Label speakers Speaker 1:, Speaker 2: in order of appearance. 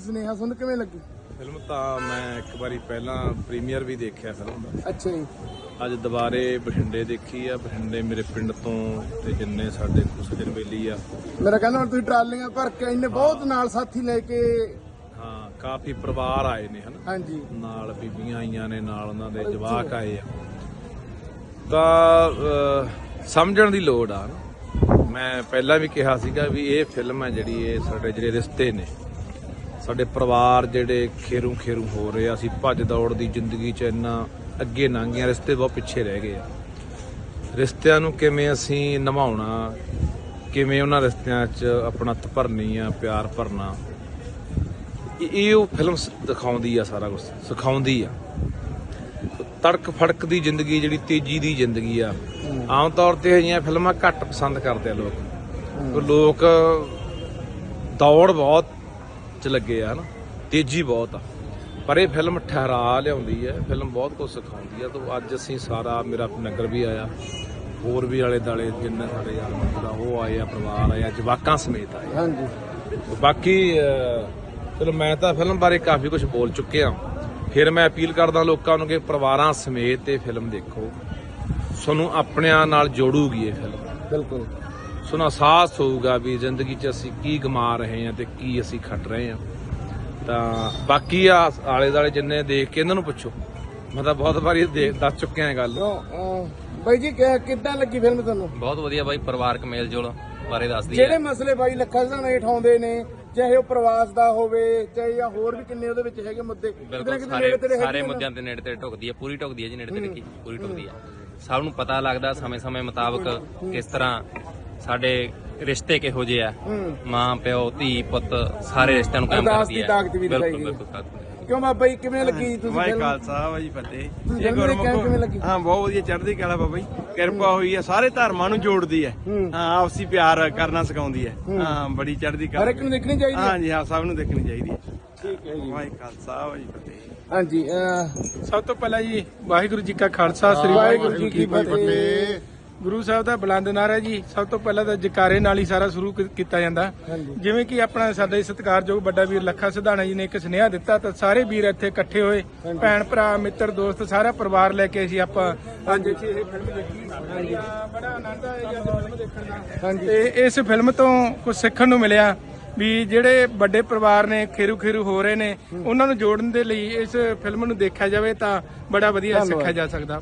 Speaker 1: ਸੁਨੇਹਾ ਤੁਹਾਨੂੰ ਕਿਵੇਂ ਲੱਗੀ
Speaker 2: ਫਿਲਮ? ਤਾਂ ਮੈਂ ਇੱਕ ਵਾਰੀ ਪਹਿਲਾਂ ਪ੍ਰੀਮੀਅਰ ਵੀ ਦੇਖਿਆ ਫਿਲਮ ਦਾ।
Speaker 1: ਅੱਛਾ ਜੀ।
Speaker 2: ਅੱਜ ਦੁਬਾਰੇ ਬਠਿੰਡੇ ਦੇਖੀ ਆ। ਬਠਿੰਡੇ ਮੇਰੇ ਪਿੰਡ ਤੋਂ ਤੇ ਜਿੰਨੇ ਸਾਡੇ ਕੁਸਜਨ ਬੇਲੀ ਆ,
Speaker 1: ਮੇਰਾ ਕਹਿੰਦਾ ਹੁਣ ਤੁਸੀਂ ਟਰਾਲੀਆਂ ਭਰ ਕੇ ਇੰਨੇ ਬਹੁਤ ਨਾਲ ਸਾਥੀ ਲੈ ਕੇ।
Speaker 2: ਹਾਂ, ਕਾਫੀ ਪਰਿਵਾਰ ਆਏ ਨੇ ਹਨਾ,
Speaker 1: ਹਾਂਜੀ।
Speaker 2: ਨਾਲ ਬੀਬੀਆਂ ਆਈਆਂ ਨੇ, ਨਾਲ ਉਹਨਾਂ ਦੇ ਜਵਾਕ ਆਏ ਆ। ਤਾਂ ਸਮਝਣ ਦੀ ਲੋੜ ਆ ਨਾ। ਮੈਂ ਪਹਿਲਾਂ ਵੀ ਕਿਹਾ ਸੀਗਾ ਵੀ ਇਹ ਫਿਲਮ ਹੈ ਜਿਹੜੀ ਇਹ ਸਾਡੇ ਜਿਹੜੇ ਰਿਸ਼ਤੇ ਨੇ, ਸਾਡੇ ਪਰਿਵਾਰ ਜਿਹੜੇ ਖੇਰੂ ਖੇਰੂ ਹੋ ਰਹੇ ਆ। ਅਸੀਂ ਭੱਜ ਦੌੜ ਦੀ ਜ਼ਿੰਦਗੀ 'ਚ ਇੰਨਾ ਅੱਗੇ ਲੰਘ ਗਏ, ਰਿਸ਼ਤੇ ਬਹੁਤ ਪਿੱਛੇ ਰਹਿ ਗਏ ਆ। ਰਿਸ਼ਤਿਆਂ ਨੂੰ ਕਿਵੇਂ ਅਸੀਂ ਨਿਭਾਉਣਾ, ਕਿਵੇਂ ਉਹਨਾਂ ਰਿਸ਼ਤਿਆਂ 'ਚ ਆਪਣਤ ਭਰਨੀ ਆ, ਪਿਆਰ ਭਰਨਾ, ਇਹ ਉਹ ਫਿਲਮ ਦਿਖਾਉਂਦੀ ਆ, ਸਾਰਾ ਕੁਝ ਸਿਖਾਉਂਦੀ ਆ। ਤੜਕ ਫੜਕ ਦੀ ਜ਼ਿੰਦਗੀ, ਜਿਹੜੀ ਤੇਜ਼ੀ ਦੀ ਜ਼ਿੰਦਗੀ ਆ, ਆਮ ਤੌਰ ਤੇ ਅਜਿਹੀਆਂ ਫਿਲਮਾਂ ਘੱਟ ਪਸੰਦ ਕਰਦੇ ਆ ਲੋਕ ਦੌੜ ਬਹੁਤ ਚ ਲੱਗੇ ਆ ਹਨਾ, ਤੇਜ਼ੀ ਬਹੁਤ ਆ। ਪਰ ਇਹ ਫਿਲਮ ਠਹਿਰਾ ਲਿਆਉਂਦੀ ਹੈ, ਫਿਲਮ ਬਹੁਤ ਕੁਝ ਸਿਖਾਉਂਦੀ ਆ। ਤਾਂ ਅੱਜ ਅਸੀਂ ਸਾਰਾ, ਮੇਰਾ ਨਗਰ ਵੀ ਆਇਆ, ਹੋਰ ਵੀ ਆਲੇ ਦਾਲੇ ਜਿੰਨੇ ਸਾਡੇ ਯਾਰ ਮਿੱਤਰ ਉਹ ਆਏ ਆ, ਪਰਿਵਾਰ ਆਇਆ, ਜਵਾਕਾਂ ਸਮੇਤ ਆਏ।
Speaker 1: ਹਾਂਜੀ।
Speaker 2: ਬਾਕੀ ਚਲੋ ਮੈਂ ਤਾਂ ਫਿਲਮ ਬਾਰੇ ਕਾਫੀ ਕੁਝ ਬੋਲ ਚੁੱਕਿਆ। ਫਿਰ ਮੈਂ ਅਪੀਲ ਕਰਦਾ ਲੋਕਾਂ ਨੂੰ ਕਿ ਪਰਿਵਾਰਾਂ ਸਮੇਤ ਇਹ ਫਿਲਮ ਦੇਖੋ, ਤੁਹਾਨੂੰ ਆਪਣਿਆਂ ਨਾਲ ਜੋੜੂਗੀ ਇਹ ਫਿਲਮ।
Speaker 1: ਬਿਲਕੁਲ।
Speaker 2: ਤੁਹਾਨੂੰ ਅਹਿਸਾਸ ਹੋਊਗਾ ਵੀ ਜ਼ਿੰਦਗੀ 'ਚ ਅਸੀਂ ਕੀ ਗਮਾ ਰਹੇ ਹਾਂ ਤੇ ਕੀ ਅਸੀਂ ਖੱਟ ਰਹੇ ਹਾਂ। ਤਾਂ ਬਾਕੀ ਆ ਆਲੇ ਦੁਆਲੇ ਜਿੰਨੇ ਦੇਖ ਕੇ ਇਹਨਾਂ ਨੂੰ ਪੁੱਛੋ, ਮੈਂ ਤਾਂ ਬਹੁਤ ਵਾਰੀ ਦੱਸ ਚੁੱਕਿਆ ਇਹ ਗੱਲ।
Speaker 1: ਬਾਈ ਜੀ ਕਿੱਦਾਂ ਲੱਗੀ ਫਿਲਮ ਤੁਹਾਨੂੰ?
Speaker 3: ਬਹੁਤ ਵਧੀਆ ਬਾਈ, ਪਰਿਵਾਰਕ ਮੇਲ ਜੋਲ ਬਾਰੇ ਦੱਸਦੀ ਹੈ।
Speaker 1: ਜਿਹੜੇ ਮਸਲੇ ਬਾਈ ਲੱਖਾ ਸਿਧਾਣਾ ਹੇਠ ਆਉਂਦੇ ਨੇ, ਚਾਹੇ ਉਹ ਪ੍ਰਵਾਸ ਦਾ ਹੋਵੇ, ਚਾਹੇ ਜਾਂ ਹੋਰ ਵੀ ਕਿੰਨੇ ਉਹਦੇ ਵਿੱਚ ਹੈਗੇ ਮੁੱਦੇ,
Speaker 3: ਬਿਲਕੁਲ ਸਾਰੇ ਮੁੱਦਿਆਂ ਤੇ ਨੇੜੇ ਤੇ ਢੁਕਦੀ ਹੈ, ਪੂਰੀ ਢੁਕਦੀ ਹੈ ਜੀ, ਨੇੜੇ ਤੇ ਦੇਖੀ ਪੂਰੀ ਢੁਕਦੀ ਹੈ। ਸਭ ਨੂੰ ਪਤਾ ਲੱਗਦਾ ਸਮੇਂ ਮੁਤਾਬਕ ਕਿਸ ਤਰ੍ਹਾਂ ਸਾਡੇ ਰਿਸ਼ਤੇ ਕਿਹੋ ਜਿਹੇ ਆ, ਮਾਂ ਪਿਓ ਧੀ ਪੁੱਤ ਸਾਰੇ ਰਿਸ਼ਤਿਆਂ ਨੂੰ ਕਾਇਮ ਕਰਦੀ ਹੈ। ਬਿਲਕੁਲ।
Speaker 1: ਕਿਉਂ ਬਾਬਾ ਜੀ ਕਿਵੇਂ ਲੱਗੀ ਤੁਸੀਂ?
Speaker 4: ਵਾਹਿ ਖਾਲਸਾ ਵਾਹਿ ਫਤਿਹ।
Speaker 1: ਇਹ ਕਿਵੇਂ ਲੱਗੀ?
Speaker 4: ਹਾਂ, ਬਹੁਤ ਵਧੀਆ, ਚੜ੍ਹਦੀ ਕਲਾ ਬਾਬਾ ਜੀ, ਕਿਰਪਾ ਹੋਈ ਹੈ, ਸਾਰੇ ਧਰਮਾਂ ਨੂੰ ਜੋੜਦੀ ਹੈ। ਹਾਂ, ਆਪਸੀ ਪਿਆਰ ਕਰਨਾ ਸਿਖਾਉਂਦੀ ਹੈ। ਹਾਂ, ਬੜੀ ਚੜ੍ਹਦੀ ਕਲਾ।
Speaker 1: ਹਰ ਇੱਕ ਨੂੰ ਦੇਖਣੀ ਚਾਹੀਦੀ ਹੈ।
Speaker 4: ਹਾਂਜੀ ਹਾਂ, ਸਭ ਨੂੰ ਦੇਖਣੀ ਚਾਹੀਦੀ ਹੈ।
Speaker 1: ਠੀਕ ਹੈ ਜੀ।
Speaker 4: ਵਾਹਿ ਖਾਲਸਾ ਵਾਹਿ ਫਤਿਹ।
Speaker 1: ਹਾਂਜੀ।
Speaker 5: ਸਭ ਤੋਂ ਪਹਿਲਾਂ ਜੀ ਵਾਹਿਗੁਰੂ ਜੀ ਕਾ ਖਾਲਸਾ, ਸ੍ਰੀ ਵਾਹਿਗੁਰੂ ਜੀ ਕੀ ਫਤਿਹ। ਗੁਰੂ ਸਾਹਿਬ ਦਾ ਬੁਲੰਦ ਨਾਅਰਾ ਜੀ। ਸਭ ਤੋਂ ਪਹਿਲਾਂ ਤਾਂ ਜਕਾਰੇ ਨਾਲ ਹੀ ਸਾਰਾ ਸ਼ੁਰੂ ਕੀਤਾ ਜਾਂਦਾ। ਜਿਵੇਂ ਕਿ ਆਪਣਾ ਸਾਡੇ ਸਤਿਕਾਰਯੋਗ ਵੱਡਾ ਵੀਰ ਲੱਖਾ ਸਿਧਾਣਾ ਜੀ ਨੇ ਇੱਕ ਸੁਨੇਹਾ ਦਿੱਤਾ, ਤਾਂ ਸਾਰੇ ਵੀਰ ਇੱਥੇ ਇਕੱਠੇ ਹੋਏ, ਭੈਣ ਭਰਾ ਮਿੱਤਰ ਦੋਸਤ ਸਾਰਾ ਪਰਿਵਾਰ ਲੈ ਕੇ ਅਸੀਂ ਆਪਾਂ ਅੱਜ ਇੱਥੇ ਇਹ ਫਿਲਮ ਦੇਖੀ। ਬੜਾ ਆਨੰਦ ਆਇਆ ਜੀ ਫਿਲਮ ਦੇਖਣ ਦਾ। ਤੇ ਇਸ ਫਿਲਮ ਤੋਂ ਕੁਝ ਸਿੱਖਣ ਨੂੰ ਮਿਲਿਆ ਵੀ ਜਿਹੜੇ ਵੱਡੇ ਪਰਿਵਾਰ ਨੇ ਖੇਰੂ ਖੇਰੂ ਹੋ ਰਹੇ ਨੇ, ਉਹਨਾਂ ਨੂੰ ਜੋੜਨ ਦੇ ਲਈ ਇਸ ਫਿਲਮ ਨੂੰ ਦੇਖਿਆ ਜਾਵੇ ਤਾਂ ਬੜਾ ਵਧੀਆ ਸਿੱਖਿਆ ਜਾ ਸਕਦਾ।